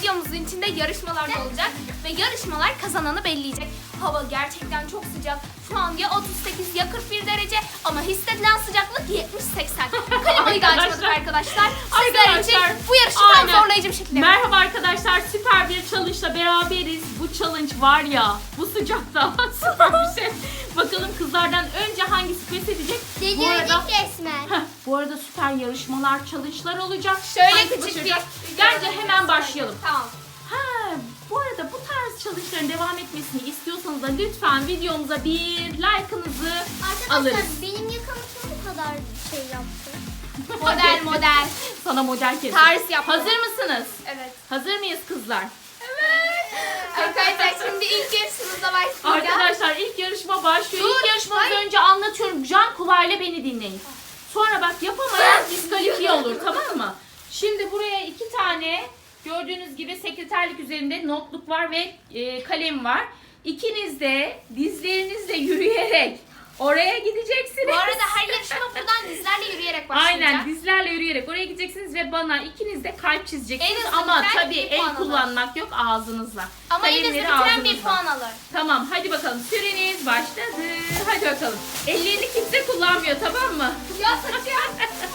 videomuzun içinde yarışmalar da olacak. Ve yarışmalar kazananı belleyecek. Hava gerçekten çok sıcak. Şu an ya 38 ya 41 derece ama hissedilen sıcaklık 70-80. Klimayı da açmadık arkadaşlar. Sizler için bu yarışı tam zorlayıcı bir şekilde. Merhaba arkadaşlar, süper bir challenge'la beraberiz. Bu challenge var ya, bu sıcakta süper bir şey. Bakalım kızlardan önce hangisi pes edecek? Bu arada süper yarışmalar, challenge'lar olacak. Şöyle Hangisi küçük başaracak? bir... Bence hemen başlayalım. Tamam. Bu arada bu tarz challenge'ların devam etmesini istiyorsanız da lütfen videomuza bir like'ınızı alırız. Arkadaşlar benim yakamızda bu kadar şey yaptı. Model. Sana model kesin. Ters yaptım. Hazır mısınız? Evet. Hazır mıyız kızlar? Arkadaşlar şimdi ilk yarışımıza başlayacağız. Arkadaşlar ilk yarışma başlıyor. Dur, İlk yarışmadan hayır. önce anlatıyorum. Can kulağıyla beni dinleyin. Sonra bak yapamayan diskalifiye olur, tamam mı? Şimdi buraya 2 tane gördüğünüz gibi sekreterlik üzerinde notluk var ve kalem var. İkiniz de dizlerinizle yürüyerek oraya gideceksiniz. Bu arada her yarışma buradan dizlerle yürüyerek başlayacak. Aynen, dizlerle yürüyerek oraya gideceksiniz ve bana ikiniz de kalp çizeceksiniz. En hızlı Ama bitiren tabii bir puan el alır. kullanmak yok, ağzınızla. Ama en hızlı Kalemleri bitiren bir ağzınızla. puan alır. Tamam, hadi bakalım, süreniz başladı. Hadi bakalım. Ellerini kimse kullanmıyor, tamam mı? Ya saçım.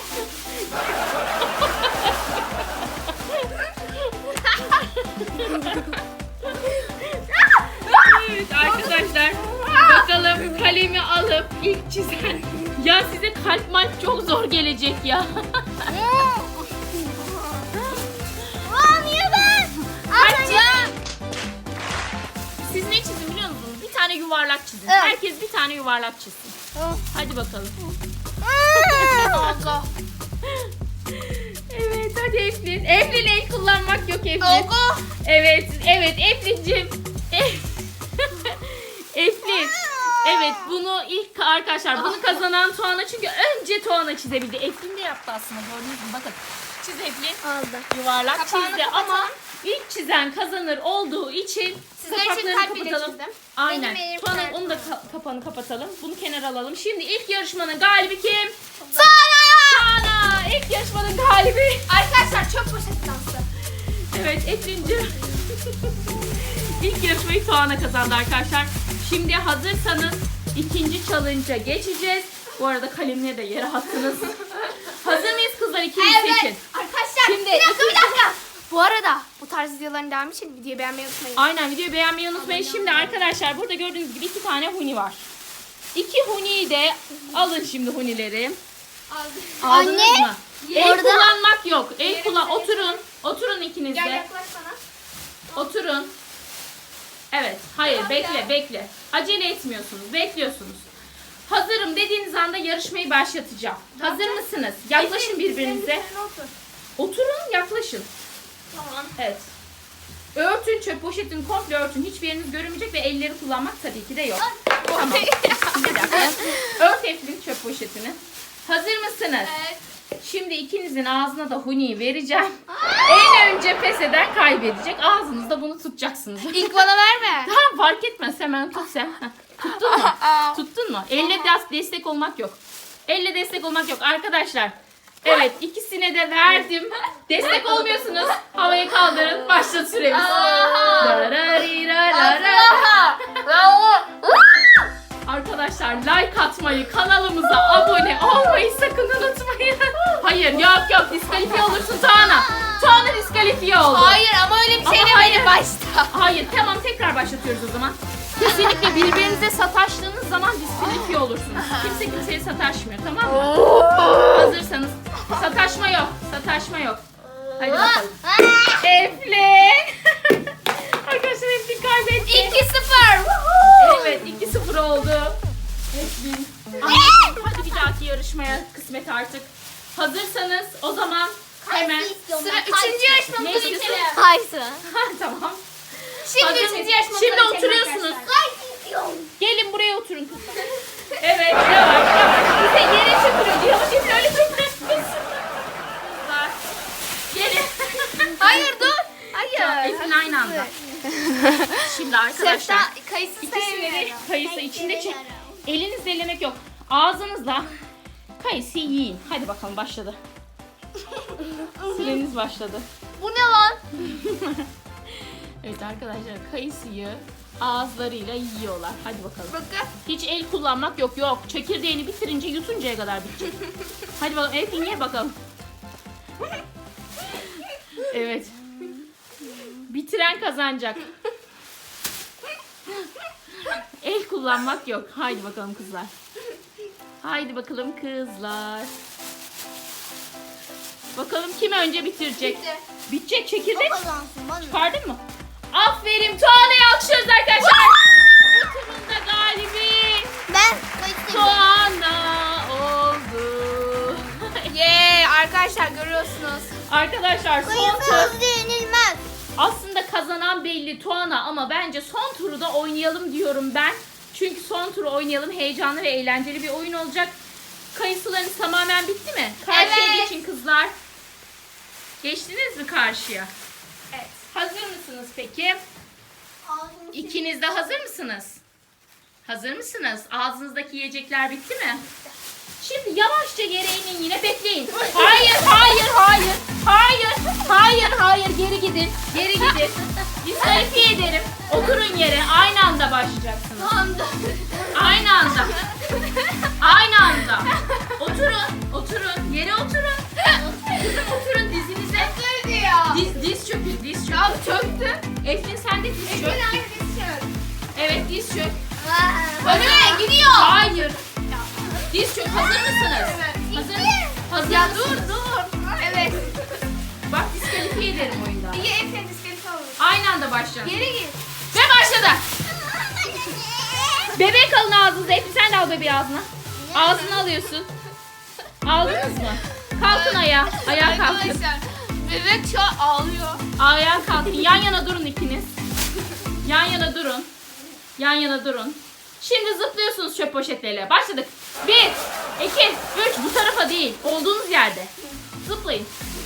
Evet arkadaşlar, bakalım kalemi alıp ilk çizen. Ya size kalp malp çok zor gelecek ya. Aa niye ben? Siz ne çizin biliyor musunuz? Bir tane yuvarlak çizin. Evet. Herkes bir tane yuvarlak çizsin. Hadi bakalım. Allah. Evet, hadi Eflin. Eflin, el kullanmak yok Eflin. Allah. Evet, Eflin'cim. Eflin. Evet, bunu ilk arkadaşlar, bunu kazanan Tuana, çünkü önce Tuana çizebildi. Eflin de yaptı aslında, gördünüz mü? Bakın. Çiz Eflin. Aldı. Yuvarlak Kapağını çizdi kapatalım. ama ilk çizen kazanır olduğu için Sizler için kapaklarını kalp bile kapatalım. çizdim. Aynen. Benim elim Tuana, kalp. onu da kapağını kapatalım. Bunu kenara alalım. Şimdi ilk yarışmanın galibi kim? Tuana! İlk yarışmanın galibi. Arkadaşlar çöp poşeti dansı. Evet Eflin'cim. İlk yarışmayı Tuana kazandı arkadaşlar. Şimdi hazırsanız ikinci challenge'a geçeceğiz. Bu arada kalemleri de yere attınız. Hazır mıyız kızlar? İkiniz seçin. Arkadaşlar Şimdi bir dakika. Bu arada bu tarz videoların devamı için videoyu beğenmeyi unutmayın. Aynen, videoyu beğenmeyi unutmayın. Şimdi arkadaşlar burada gördüğünüz gibi 2 tane huni var. 2 huniyi de alın şimdi hunileri. Aldınız Anne, mı? El orada- kullanmak yok. El kullan. Oturun ikiniz Gel de. yaklaş bana. Oturun. Evet. Hayır, bekle. Acele etmiyorsunuz. Bekliyorsunuz. Hazırım dediğiniz anda yarışmayı başlatacağım. Hazır mısınız? Yaklaşın birbirinize. Üzerine otur. Oturun, yaklaşın. Tamam. Evet. Örtün, çöp poşetini komple örtün. Hiçbir yeriniz görünmeyecek ve elleri kullanmak tabii ki de yok. Tamam. Bir dakika. Ört Eflin çöp poşetini. Hazır mısınız? Evet. Şimdi ikinizin ağzına da huniyi vereceğim. En önce pes eden kaybedecek. Ağzınızda bunu tutacaksınız. İlk bana verme. Tamam, fark etmez, hemen tut sen. Heh. Tuttun mu? Tuttun mu? Elle destek olmak yok. Elle destek olmak yok arkadaşlar. Evet, ikisine de verdim. Destek olmuyorsunuz. Havaya kaldırın. Başlat süremiz. Arkadaşlar like atmayı, kanalımıza abone olmayı sakın unutmayın. Hayır, yok diskalifiye olursun Tuana. Tuana diskalifiye oldu. Hayır ama öyle bir şey Ama demedim hayır. başta. Hayır, tamam, tekrar başlatıyoruz o zaman. Kesinlikle birbirinize sataştığınız zaman diskalifiye olursunuz. Kimse kimseye sataşmıyor, tamam mı? Hazırsanız. Sataşma yok. Hadi bakalım. Eflin. Arkadaşlar Eflin kaybetti. 2-0. Evet, 2-0 oldu. Eflin. Hadi bir dahaki yarışmaya kısmet artık. Hazırsanız o zaman hemen. Sıra 3. yarışmamıza Ne geçelim. istiyorsun? Kaysı. Tamam. Şimdi Hazır 3. mıyız? yarışmamıza Şimdi geçelim oturuyorsunuz. arkadaşlar. Gelin buraya oturun kızlar. Evet, yavaş. Bize yere çökülüyor. Yavaş Eflin, öyle çökmezsiniz. Kızlar. Gelin. Hayır dur. Hayır. Eflin aynı anda. Şimdi arkadaşlar. Kayısı İkisini sevmiyorum. kayısı içinde çek. Elinizle ellemek yok. Ağzınızla kayısı yiyin. Hadi bakalım, başladı. Süreniz başladı. Bu ne lan? Evet arkadaşlar, kayısıyı ağızlarıyla yiyorlar. Hadi bakalım. Bakın. Hiç el kullanmak yok. Yok. Çekirdeğini bitirince yutuncaya kadar bitecek. Hadi bakalım. Eflin ye bakalım. Evet. Bitiren kazanacak. El kullanmak yok. Haydi bakalım kızlar. Haydi bakalım kızlar. Bakalım kim önce bitirecek. Bitti. Bitecek O çekirdek. kazansın bana. Çıkardın mı? Aferin, Tuana'yı alkışlıyoruz arkadaşlar. Bu turun da galibi Ben kayıttayım. Tuana oldu. Arkadaşlar görüyorsunuz. Arkadaşlar son Kayısı tur. hızlı yenilmez. Aslında kazanan belli Tuana ama bence son turu da oynayalım diyorum ben. Çünkü son turu oynayalım. Heyecanlı ve eğlenceli bir oyun olacak. Kayısılarınız tamamen bitti mi? Karşıya Evet. geçin kızlar. Geçtiniz mi karşıya? Evet. Hazır mısınız peki? İkiniz de hazır mısınız? Hazır mısınız? Ağzınızdaki yiyecekler bitti mi? Şimdi yavaşça yere inin, yine bekleyin. Hayır, hayır, hayır. Hayır, hayır, hayır. Geri gidin. Geri gidin. Diskalifiye ederim. Oturun yere. Aynı anda başlayacaksınız. Aynı anda. Aynı anda. Oturun. Oturun. Yere oturun. Kızım oturun dizinize. Diz çökün. Diz çökün. Çöktü. Eflin sen de diz çök. Evet diz çök. Önüme gidiyor. Hayır. Diz çök. Hazır mısınız? Evet. Hazır. Hazır. Ya mısınız? dur. Evet. Bak diskalifiye ederim oyunda. İyi Efe'nin diskalifiye olur. Aynı anda başlayalım. Geri git. Ve başladı. Bebek alın ağzınıza. Eflin sen de al bebeği ağzına. Ağzına alıyorsun. Aldınız mı? Kalkın ayağa. Ayağa kalkın. Arkadaşlar bebek şu an ağlıyor. Ayağa kalkın. Yan yana durun ikiniz. Yan yana durun. Yan yana durun. Şimdi zıplıyorsunuz çöp poşetleriyle. Başladık. 1, 2, 3. Bu tarafa değil. Olduğunuz yerde. Zıplayın.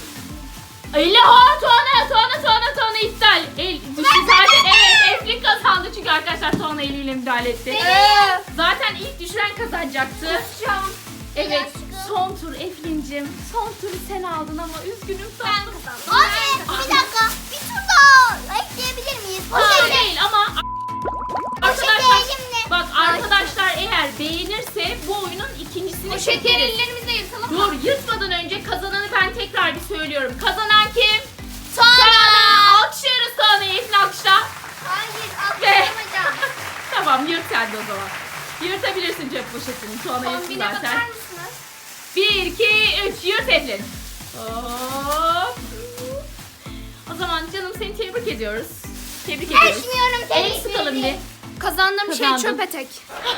Tuana iptal. El düştü zaten. Evet, Eflin kazandı çünkü arkadaşlar Tuana eliyle müdahale etti. Zaten ilk düşüren kazanacaktı. Evet, son tur Eflin'cim. Son turu sen aldın ama üzgünüm tatlım. Abi bir dakika. Bir tur daha ekleyebilir miyiz? Hayır değil ama arkadaşlar elimle. bak arkadaşlar eğer beğenirse bu oyunun ikincisini O şekeri çekeriz. ellerimizle yırtalım mı? Dur, yırtmadan önce kazananı ben tekrar bir söylüyorum. Kazanan kim? Tuana. Alkışlıyoruz Tuana'yı. Eflin alkışla. Hayır Ve atlayamayacağım. tamam, yırt sen de o zaman. Yırtabilirsin cep poşetini. Tuana yırtsın Kombine zaten. bakar mısınız? 1, 2, 3 yırt Eflin. Hop. O zaman canım seni tebrik ediyoruz. Tebrik ediyoruz. Açmıyorum El seni. sıkalım bir. Kazandığım şey Kazandım. çöp etek.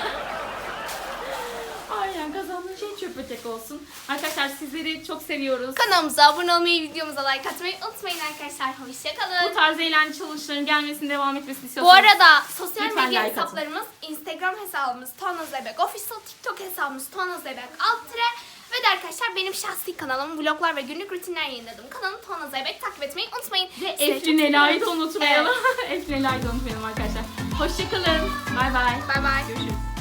Aynen, kazandığın şey çöp ötek olsun. Arkadaşlar sizleri çok seviyoruz. Kanalımıza abone olmayı, videomuza like atmayı unutmayın arkadaşlar. Bu Hoşçakalın. tarz eğlence challenge'ların gelmesini devam etmesini Bu istiyorsanız. arada sosyal Lütfen medya like atın. hesaplarımız, Instagram hesabımız Tuana Zeybek Official, TikTok hesabımız Tuana Zeybek _, ve de arkadaşlar benim şahsi kanalım, vloglar ve günlük rutinler yayınladığım kanalım Tuana Zeybek, takip etmeyi unutmayın. Ve Sizi Eflin çok Ela'yı da seviyorum. unutmayalım. Eflin Ela'yı da unutmayalım arkadaşlar. Hoşçakalın. Bay bay. Bay bay. Görüşürüz.